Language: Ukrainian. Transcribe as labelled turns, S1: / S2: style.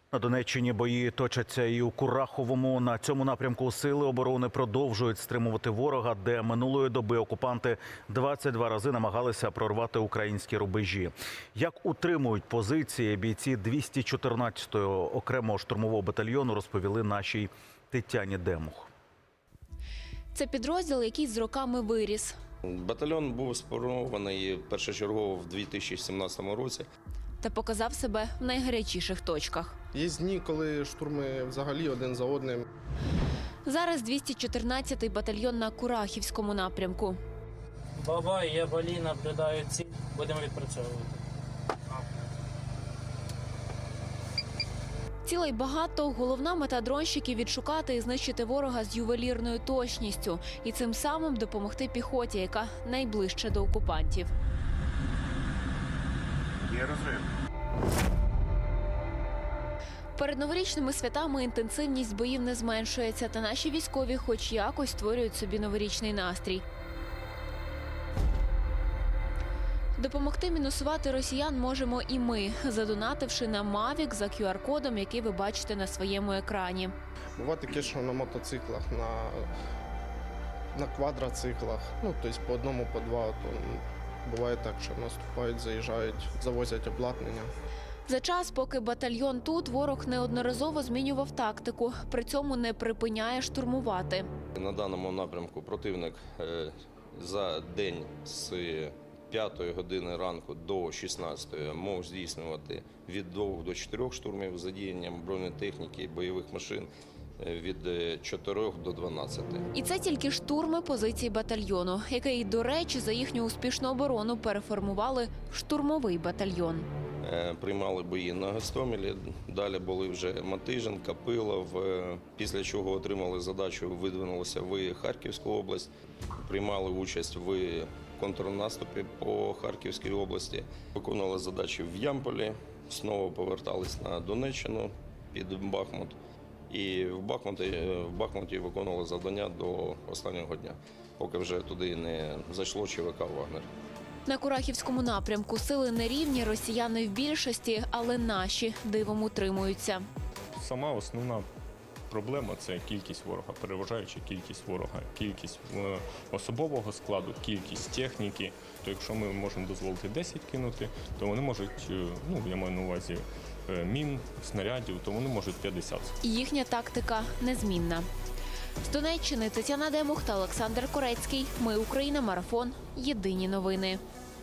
S1: На Донеччині бої точаться і у Кураховому. На цьому напрямку сили оборони продовжують стримувати ворога, де минулої доби окупанти 22 рази намагалися прорвати українські рубежі. Як утримують позиції бійці 214-го окремого штурмового батальйону, розповіли нашій Тетяні Демух.
S2: Це підрозділ, який з роками виріс.
S3: Батальйон був сформований першочергово в 2017 році.
S2: Та показав себе в найгарячіших точках.
S4: Є дні, коли штурми взагалі один за одним.
S2: Зараз 214-й батальйон на Курахівському напрямку.
S5: Бабай, я Балі, наблюдаю ціль. Будемо відпрацьовувати.
S2: Цілей багато. Головна мета дронщиків – відшукати і знищити ворога з ювелірною точністю. І цим самим допомогти піхоті, яка найближче до окупантів.
S1: Є розрив.
S2: Перед новорічними святами інтенсивність боїв не зменшується, та наші військові хоч якось створюють собі новорічний настрій. Допомогти мінусувати росіян можемо і ми, задонативши на Mavic за QR-кодом, який ви бачите на своєму екрані.
S4: Буває таке, що на мотоциклах, на квадроциклах, тобто по одному, по два. Буває так, що наступають, заїжджають, завозять обладнання.
S2: За час, поки батальйон тут, ворог неодноразово змінював тактику, при цьому не припиняє штурмувати.
S3: На даному напрямку противник за день з 5 години ранку до 16 мог здійснювати від 2 до 4 штурмів з задіянням бронетехніки, бойових машин від 4 до 12.
S2: І це тільки штурми позицій батальйону, який, до речі, за їхню успішну оборону переформували в штурмовий батальйон.
S3: Приймали бої на Гостомелі, далі були вже Матижин, Копилов, після чого отримали задачу, видвинулися в Харківську область, приймали участь в контрнаступі по Харківській області, виконували задачі в Ямполі, знову повертались на Донеччину під Бахмут і в Бахмуті виконували завдання до останнього дня, поки вже туди не зайшло ЧВК «Вагнер».
S2: На Курахівському напрямку сили нерівні, росіяни в більшості, але наші дивом утримуються.
S6: Сама основна проблема – це кількість ворога, переважаюча кількість ворога, кількість особового складу, кількість техніки. То якщо ми можемо дозволити 10 кинути, то вони можуть, я маю на увазі мін, снарядів, то вони можуть 50.
S2: Їхня тактика незмінна. З Донеччини Тетяна Демух та Олександр Корецький. Ми Україна. Марафон. Єдині новини.